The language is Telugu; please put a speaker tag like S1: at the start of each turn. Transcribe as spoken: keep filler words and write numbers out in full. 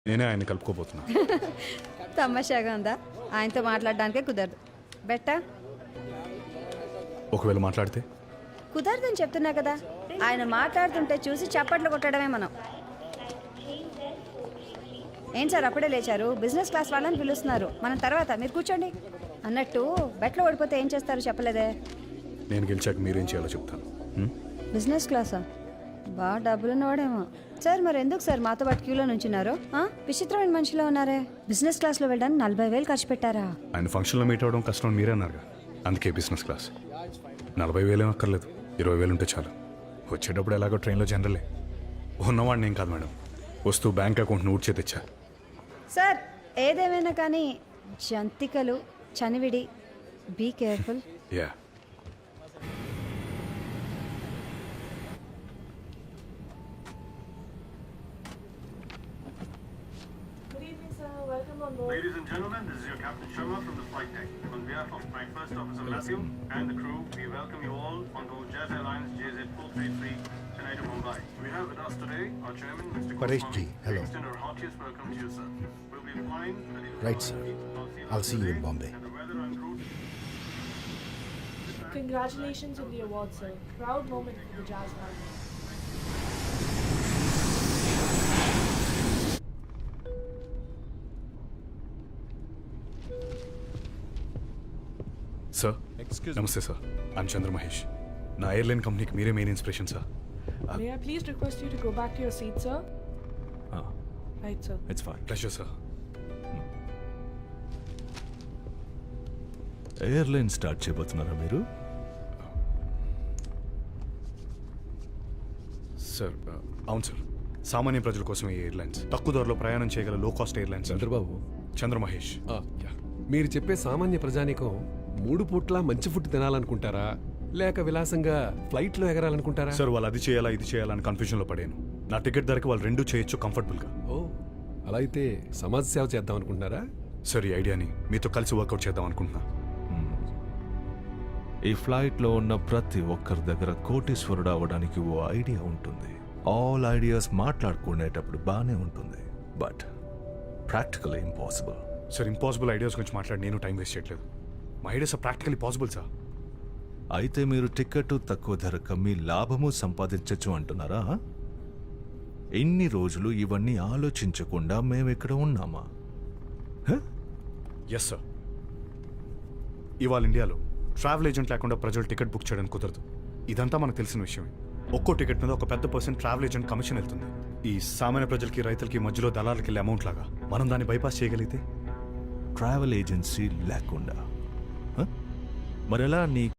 S1: నేనే ఆయన కలుపుకోబోతున్నా.
S2: తమాషాగా ఉందా? ఆయనతో మాట్లాడడానికే కుదరదు. బెట్టా
S1: ఒకవేళ మాట్లాడితే
S2: కుదరదని చెప్తున్నా కదా. ఆయన మాట్లాడుతుంటే చూసి చప్పట్లు కొట్టడమే మనం. ఏం సార్ అప్పుడే లేచారు? బిజినెస్ క్లాస్ వాళ్ళని పిలుస్తున్నారు. మనం తర్వాత, మీరు కూర్చోండి. అన్నట్టు బెట్లో ఓడిపోతే ఏం చేస్తారు చెప్పలేదే?
S1: నేను గెలిచాక మీరేం చేయాలో చెప్తాను. హ్మ్?
S2: బిజినెస్ క్లాసా? బాగా డబ్బులున్నవాడేమో. సార్ మరి ఎందుకు సార్ మాతో పాటు క్యూలో నుంచున్నారు? ఆ? విచిత్రమైన మనిషిలో ఉన్నారే. బిజినెస్ క్లాస్లో వెళ్ళడానికి నలభై వేలు ఖర్చు పెట్టారా?
S1: ఆయన ఫంక్షన్లో మీట్ అవ్వడం కష్టం అని మీరే అన్నారుగా, అందుకే బిజినెస్ క్లాస్. నలభై వేలు ఏం అక్కర్లేదు, ఇరవై వేలు ఉంటే చాలు. వచ్చేటప్పుడు ఎలాగో ట్రైన్లో జనరలే. ఉన్నవాడిని ఏం కాదు మేడం, వస్తూ బ్యాంక్ అకౌంట్ని ఊడ్చే తెచ్చా.
S2: సార్ ఏదేమైనా కానీ జంతికలు, చనివిడి, be careful.
S1: Yeah
S3: Good evening, sir. Welcome on board.
S4: Ladies and gentlemen, this is your Captain Sharma from the flight deck. On behalf of my first officer Matthew and the crew, we welcome you all on board Jazz Airlines J Z four three three, Chennai to Mumbai. We have with us today our chairman, Mister
S5: Paresh
S4: Goswami.
S5: ji, hello.
S4: We extend our heartiest welcome to you, sir. We'll be flying at the
S5: Right, sir. I'll see you in Bombay.
S4: And the weather en route.
S3: Congratulations on the award, sir. Proud moment for the Jazz family.
S1: Sir. నమస్తే సార్, ఐమ్ చంద్ర మహేష్. నా ఎయిర్లైన్ కంపెనీకి మీరే main inspiration sir.
S3: May I please request you to go back to your seat, sir?
S6: Ah,
S3: Right, sir.
S6: it's fine.
S1: Pleasure sir.
S6: Airline start చేయబోతున్నారా మీరు?
S1: సార్ అవును సార్, సామాన్య ప్రజల కోసం ఈ ఎయిర్లైన్స్ తక్కువ ధరలో ప్రయాణం చేయగల low cost airlines.
S7: Chandrababu,
S1: Chandra Mahesh.
S7: ఆ, మీరు చెప్పే సామాన్య ప్రజానికం మూడు పూట్ల మంచి ఫుడ్ తినాలనుకుంటారా లేక విలాసంగా ఫ్లైట్లో ఎగరాలనుకుంటారా?
S1: సార్ వాళ్ళు అది చేయాలా ఇది చేయాలని కన్ఫ్యూజన్లో పడాను. నా టికెట్ ధరకి వాళ్ళు రెండు చేయొచ్చు కంఫర్టబుల్గా.
S7: ఓ, అలా అయితే సమాజ సేవ చేద్దాం అనుకుంటున్నారా?
S1: సార్ ఈ ఐడియాని మీతో కలిసి వర్కౌట్ చేద్దాం అనుకుంటున్నా.
S6: ఈ ఫ్లైట్లో ఉన్న ప్రతి ఒక్కరి దగ్గర కోటీశ్వరుడు అవ్వడానికి ఓ ఐడియా ఉంటుంది. ఆల్ ఐడియాస్ మాట్లాడుకునేటప్పుడు బాగానే ఉంటుంది, but practical impossible.
S1: Sir impossible ideas గురించి మాట్లాడి నేను టైం వేస్ట్ చేయట్లేదు. మా ideas are practically possible sir.
S6: అయితే మీరు టికెట్ తక్కువ ధరకు మీ లాభము సంపాదించచ్చు అంటున్నారా? ఎన్ని రోజులు ఇవన్నీ ఆలోచించకుండా మేము ఇక్కడ ఉన్నామా?
S1: Yes sir. ఇవాళ ఇండియాలో ట్రావెల్ ఏజెంట్ లేకుండా ప్రజలు టికెట్ బుక్ చేయడానికి కుదరదు. ఇదంతా మనకు తెలిసిన విషయమే. ఒక్కో టికెట్ మీద ఒక పెద్ద పర్సెంట్ ట్రావెల్ ఏజెంట్ కమిషన్ వెళ్తుంది. ఈ సామాన్య ప్రజలకి, రైతులకి మధ్యలో దళాలకి వెళ్ళే అమౌంట్ లాగా మనం దాన్ని బైపాస్ చేయగలిగితే.
S6: ట్రావెల్ ఏజెన్సీ లేకుండా హ? మరెలా నీ